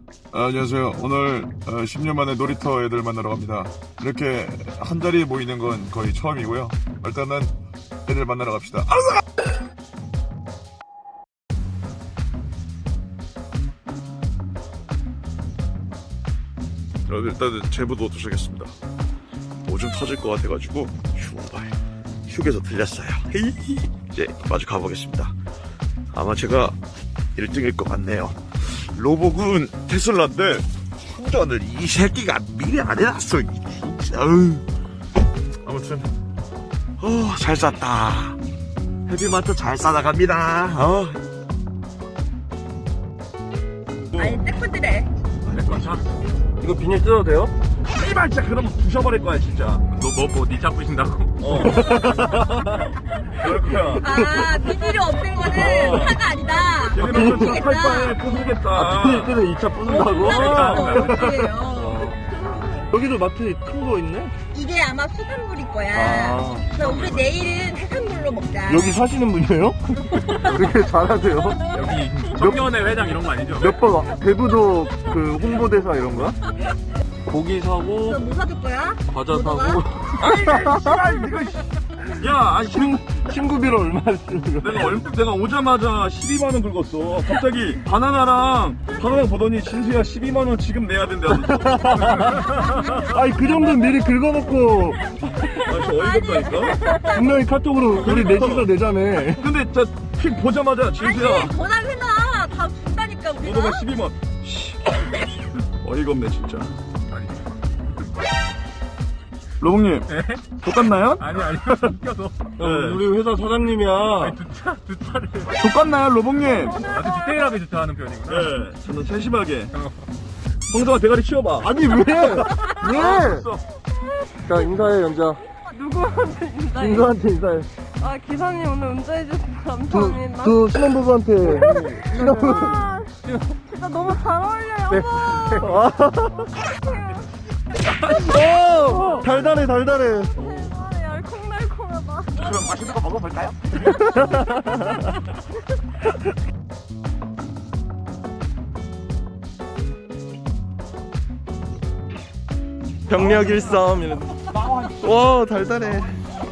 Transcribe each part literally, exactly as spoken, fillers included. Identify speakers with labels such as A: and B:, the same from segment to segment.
A: 아, 안녕하세요. 오늘 어, 십 년 만에 놀이터 애들 만나러 갑니다. 이렇게 한 자리에 모이는 건 거의 처음이고요. 일단은 애들 만나러 갑시다. 알았어! 여러분 일단은 제부도 도착했습니다. 오줌 터질 것 같아가지고 휴발 휴게소 들렸어요. 이제 마주 가보겠습니다. 아마 제가 일 등일 것 같네요. 로복은 테슬라인데 충전을 이 새끼가 미리 안 해놨어. 진짜. 아무튼 어, 잘 쌌다. 헤비마트 잘 싸나갑니다. 어.
B: 아니 떼꾸드래.
C: 이거 비닐 뜯어도 돼요?
A: 씨발 진짜 그러면 부셔버릴 거야 진짜.
C: 너뭐뭐니 잡으신다고?
A: 어. 그럴 거야.
B: 아 비닐이 없는 거는 차가 아니다.
A: 얘네는
B: 미치겠다.
A: 팔 바에 부수겠다.
C: 아, 비닐 뜯어 이 차 부순다고?
B: 어.
C: 여기도 마트 큰 거 있네?
B: 이게 아마 수산물일 거야.
C: 아.
B: 그래서 우리 내일은 해산물로 먹자.
C: 여기 사시는 분이에요? 되게 잘하세요.
D: 여기 청년회 회장 이런 거 아니죠?
C: 몇 번 대부도 그 홍보대사 이런 거야? 고기 사고
B: 너 뭐 사줄 거야?
C: 과자
B: 뭐
C: 사고
D: 야, 아니
C: 친, 친구비를 얼마 쓰는 거야?
D: 내가 얼, 내가 오자마자 십이만 원 긁었어. 갑자기 바나나랑 바나나 보더니 진수야 십이만 원 지금 내야 된대.
C: 아니 그 정도는 미리 긁어놓고
D: 아, 저 어이가 없다니까.
C: 분명히 카톡으로 우리 넷이서 내자며.
D: 근데 저픽 보자마자 진수야
B: 아니 전화 해놔. 다 준다니까 우리가.
D: 보더가 십이만 원. 씨. 어이가 없네 진짜. 로봉님, 족같나요?
E: 아니 아니 웃겨서
D: 네.
C: 우리 회사 사장님이야.
E: 두차 두 차를
D: 족같나요, 로봉님?
E: 아주 디테일하게 주차하는 편이구나.
D: 네, 저는 세심하게. 홍성아 대가리 치워봐.
C: 아니 왜? 왜? 자 인사해 연자.
F: 누구한테 인사해?
C: 인사한테 인사해.
F: 아 기사님 오늘 운전해주셔서
C: 두,
F: 감사합니다.
C: 두 신혼부부한테. 신혼부부.
F: 아, 진짜 너무 잘 어울려요.
C: 네.
F: 어머.
C: 오! 달달해 달달해.
F: 대단해, 알콩달콩하다.
D: 그럼 맛있는 거 먹어볼까요?
C: 병력 일삼 이런. 와 달달해.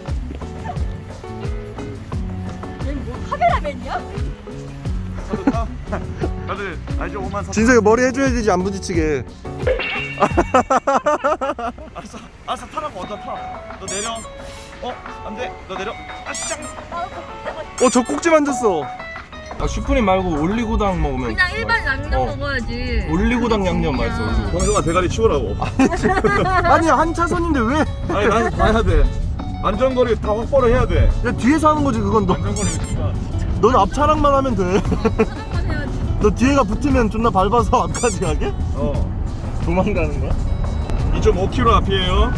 B: 카메라맨이야?
A: 다들 알죠? 오만 사.
C: 진석이 머리 해줘야 되지 안 부딪히게.
A: 알았어, 알았어 타라고 먼저 타. 너 내려. 어, 안 돼. 너 내려. 아, 시작.
C: 어 저 꼭지 만졌어. 아 슈프림 말고 올리고당 먹으면.
B: 그냥 일반 양념
C: 어.
B: 먹어야지.
C: 올리고당 양념 맛있어.
D: 홍성아 대가리 치우라고.
C: 아니 한 차선인데 왜?
D: 아니 나는 다 해야 돼. 안전거리 다 확보를 해야 돼.
C: 야 뒤에서 하는 거지 그건 너. 넌 앞차량만 하면 돼. 너 뒤에가 붙으면 존나 밟아서 앞까지 가게?
D: 어.
C: 도망가는 거야?
D: 이 점 오 킬로미터 앞이에요.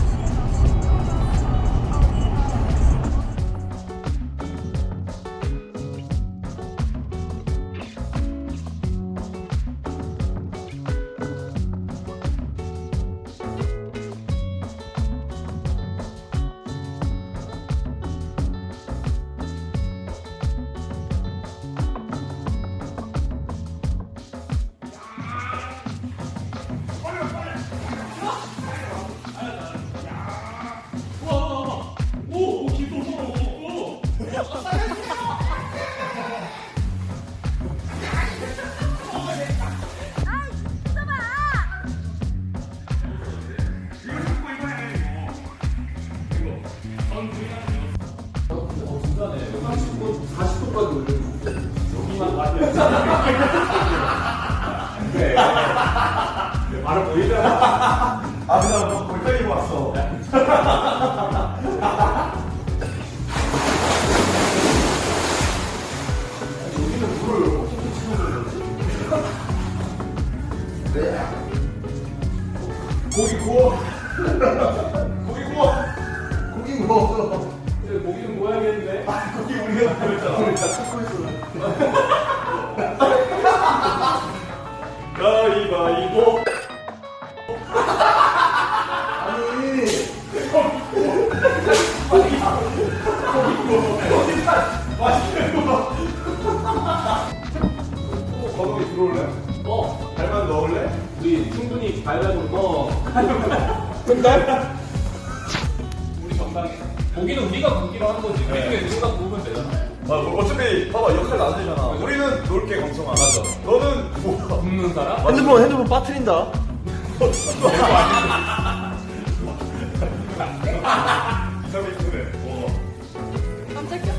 A: 아, 그냥 뭐 골짜기 왔어. 고기 구워. 고기 구워. 고기 구워. 고기 좀 구워야겠는데. 아, 고기 우리가 구웠잖아. 우리 다 찾고 있어. 가위바위보. 맛있는 거 봐. 광성이 들어올래? 어. 발만 넣을래?
E: 우리 충분히 발발로 어. 우리 정당해. 고기는 우리가 굽기로 하는 거지. 우리가 누가 구우면 되잖아.
A: 아, 뭐 어차피 봐봐 역할 나누잖아. 우리는 놀게 광성아. 맞아. 너는 뭐
E: 굽는 사람?
C: 핸드폰 핸드폰 빠트린다.
A: 이삼일 그래.
F: 깜짝이야.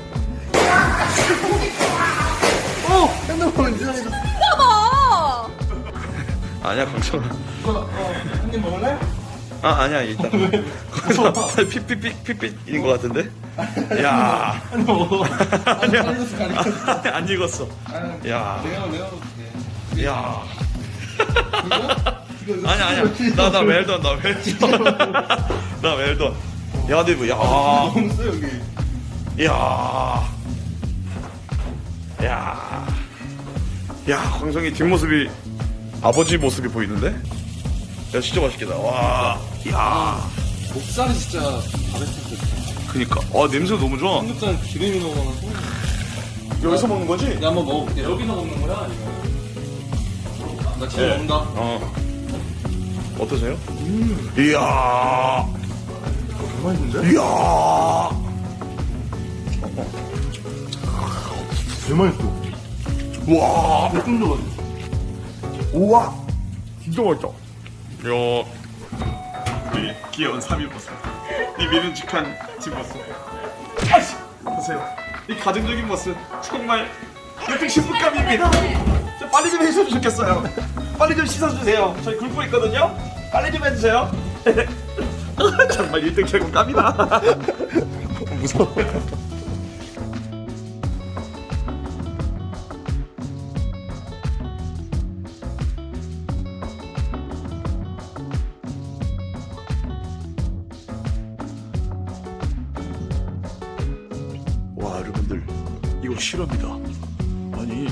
C: 어 핸드폰 이상해서.
F: 봐봐.
A: 아니야 광성아.
C: 한입 먹을래?
A: 아 아니야 일단. 광성아 핏핏핏 핏핏인 것 같은데. 야.
C: 한입 먹어.
A: 아니야.
C: 안 익었어, 안 익었어.
A: 아, 안 익었어. 야.
C: 내가 내가 먹을게.
A: 야.
C: 이거, 이거
A: 아니야 아니야. 나 나 웰던 나 웰던. 나 웰던. 야 근데 뭐 야.
C: 너무 세 여기.
A: 야. 야. 야 광성이 뒷모습이 아버지 모습이 보이는데? 야 진짜 맛있겠다. 와. 야.
C: 목살이 진짜 바베큐 같아.
A: 그니까. 아 냄새 너무 좋아.
C: 삼겹살 기름이 너무 많아서.
A: 여기서 먹는 거지?
C: 내가 한번 먹어볼게.
E: 여기서 먹는 거야? 아니면?
C: 나 지금
A: 네.
C: 먹는다.
A: 어. 어떠세요? 이야.
C: 개 맛있는데?
A: 이야.
C: 개 맛있어.
A: 와.
C: 좀 좋아지.
A: 우와. 진짜 맛있다. 야. 우리 귀여운 삼일버섯. 이 믿음직한 뒷모습. 아씨. 보세요. 이 가정적인 모습. 정말 역시 신부감입니다. 좀 빨리 좀 해주시면 좋겠어요. 빨리 좀 씻어주세요. 저희 굶고 있거든요. 빨리 좀 해주세요. 정말 일 등 최고감이다. 무서워. 와 여러분들 이거 실화입니다. 아니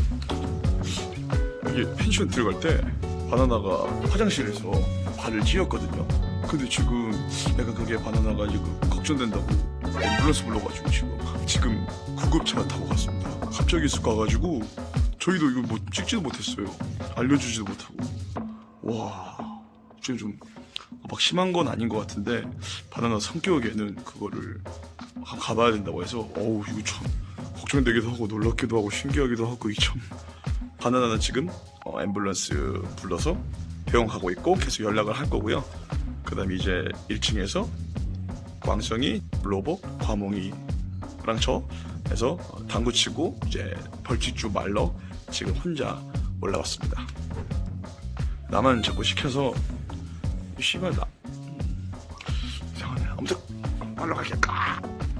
A: 이게 펜션 들어갈 때 바나나가 화장실에서 발을 찧었거든요. 근데 지금 약간 그게 바나나가 지금 걱정된다고 앰뷸런스 불러가지고 지금 지금 구급차 타고 갔습니다. 갑자기 쑥 가가지고 저희도 이거 뭐 찍지도 못했어요. 알려주지도 못하고. 와 지금 좀 막 심한 건 아닌 것 같은데 바나나 성격에는 그거를 한번 가봐야 된다고 해서 어우 이거 참 걱정되기도 하고 놀랍기도 하고 신기하기도 하고 이게 참 바나나는 지금 어, 앰뷸런스 불러서 병원 가고 있고 계속 연락을 할 거고요. 그 다음에 이제 일 층에서 광성이, 로봇, 과몽이랑 저 해서 어, 당구 치고 이제 벌칙주 말러 지금 혼자 올라왔습니다. 나만 자꾸 시켜서 이 씨발 나 음, 이상하네. 아무튼 빨리 가겠다.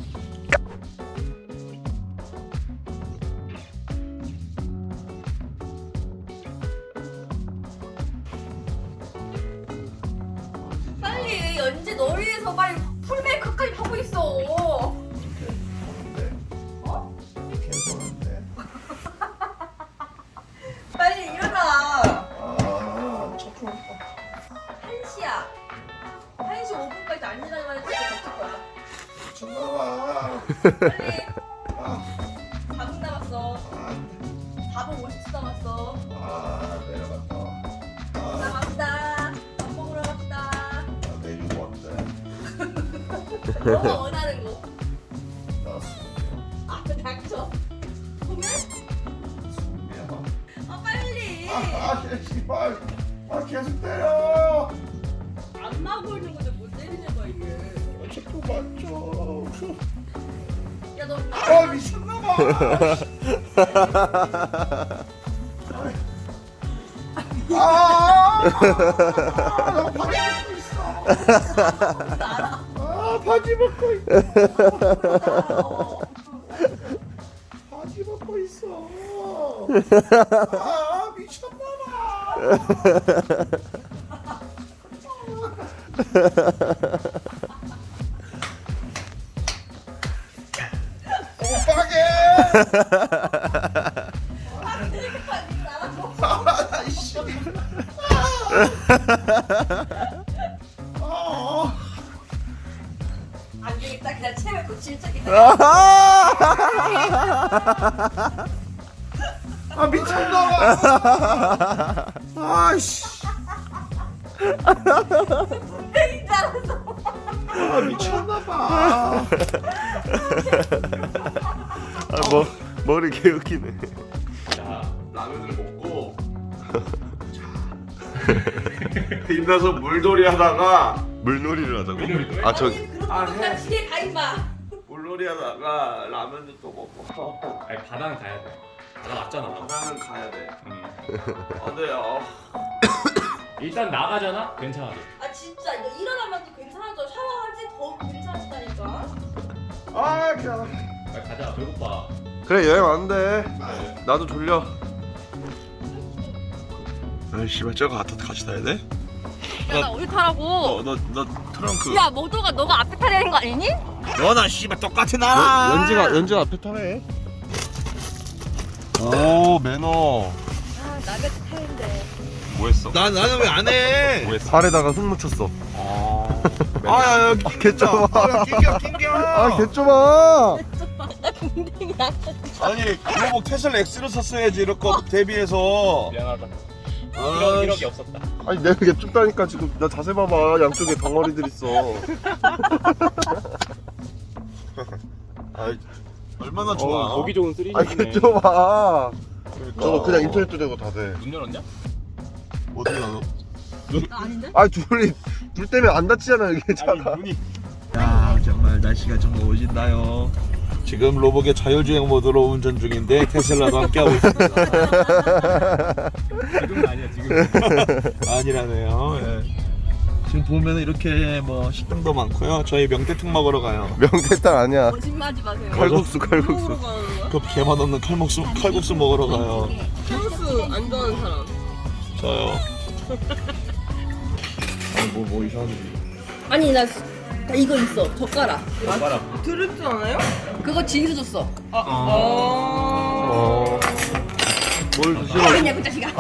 B: 빨리 연지 널 위해서 빨리 풀 메이크업까지 하고 있어. 어?
A: 괜찮은데.
B: 빨리 일어나.
A: 아, 첫
B: 한 시야. 한 시 오 분까지 안 일어나면 진짜 다칠 거야.
A: 미쳤나봐.
B: 빨리. 사 분 남았어. 사 분 오십 초 남았어.
A: 아, 내려갔다. 아,
B: 나갑시다. 밥 먹으러 갑시다.
A: 나 내일 왔는데.
B: 너가 원하는 거.
A: 나왔습니다.
B: 아, 닥쳐. 보면?
A: 미안하.
B: 아, 빨리.
A: 아, 씨발. 아, 계속 때려.
B: 안 나고 있는 건데 못 때리는 거야, 이게.
A: 자꾸 맞죠.
B: 야, 너.
A: 아, 미쳤나봐. 아, 나 바지 벗고 있어. 아, 바지 벗고 있어. 바지 벗고 있어. 아, 미쳤나봐. 오빠게. 아, 이씨. 아,
B: 안 되겠다. 그냥 채면 질적이다.
A: 아 미쳤나봐. 아이씨.
B: 땡인 줄 알았어.
A: 아, 미쳤나봐.
C: 아, 뭐 머리 개웃기네.
E: 자,
A: 라면을 먹고 힘나서 물놀이 하다가
C: 물놀이를 하자고?
E: 물놀이도 해?
C: 아, 저
B: 아니 그런 거나 지혜 가 임마.
A: 물놀이 하다가 라면도 또 먹고
E: 아니 바다는 가야 돼. 바다 맞잖아.
A: 바다는 가야 돼.
E: 음.
A: 아, 네. 아.
E: 일단 나가잖아. 괜찮아져.
B: 아 진짜 너 일어나면 또 괜찮아져. 샤워하지 더 괜찮아지다니까.
A: 아, 그냥.
E: 빨리 가자. 배고파.
C: 그래 여행 왔는데 나도 졸려.
A: 아, 씨발 저거 같이 같이 타야 돼?
F: 야, 나 어디 타라고?
A: 너 너 너 트렁크.
F: 야, 모두가 너가 앞에 타야 되는 거 아니니?
A: 너나 씨발 똑같은 나라.
C: 연지가 연지가 앞에 타네. 오 매너.
F: 아, 남의 차 타는데.
D: 뭐 했어?
A: 나 나는 왜 안 해?
D: 뭐 했어?
C: 발에다가 흙 묻혔어.
A: 아야
C: 개 좁아.
A: 아, 낑겨 낑겨.
C: 아, 개 좁아.
F: 나 궁뎅이야.
A: 아니 그거 테슬라 X를 샀어야지 이럴 거 대비해서.
E: 미안하다.
A: 아,
E: 이런 이력이 없었다.
C: 아니 내가 개 좁다니까 지금. 나 자세 봐봐. 양쪽에 덩어리들 있어.
A: 아, 얼마나 좋아.
E: 어, 보기 좋은
C: 아, 개
E: 쓰리디네.
C: 좁아. 저거 그냥 인터넷도 되고 다 돼.
E: 문 열었냐?
A: 어디 가너?
F: 나 아닌데?
C: 아, 둘이 둘 때문에 안 다치잖아 여기 차가.
E: 눈이.
A: 야, 정말 날씨가 좀 오진다요. 지금 로봇의 자율주행 모드로 운전 중인데 테슬라도 함께하고 있습니다.
E: 지금은 아니야 지금.
A: 아니라네요. 예. 지금 보면 이렇게 뭐 식당도 많고요. 저희 명태탕 먹으러 가요.
C: 명태탕 아니야.
F: 거짓말하지 마세요.
C: 칼국수 칼국수.
A: 그 개맛 없는 칼국수 칼국수 먹으러 가요.
F: 소스 안 좋아하는 사람.
A: 저요. 아니 뭐뭐 이상한 일.
B: 아니 나, 나 이거 있어. 젓가락.
E: 젓가락.
F: 들을 줄 알아요?
B: 그거 진수 줬어.
C: 어. 뭘 드시러?
B: 알겠냐 그 자식아.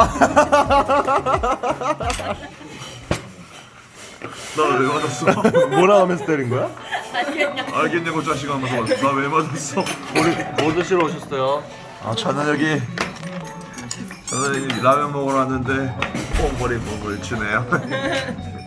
A: 나 왜 맞았어?
C: 뭐라 하면서 때린 거야?
A: 알겠냐고 자식아 하면서 나 왜 맞았어?
C: 우리 뭐 드시러 오셨어요?
A: 아 저는 여기 저는 여기 라면 먹으러 왔는데 뽕벌이 몸을 주네요.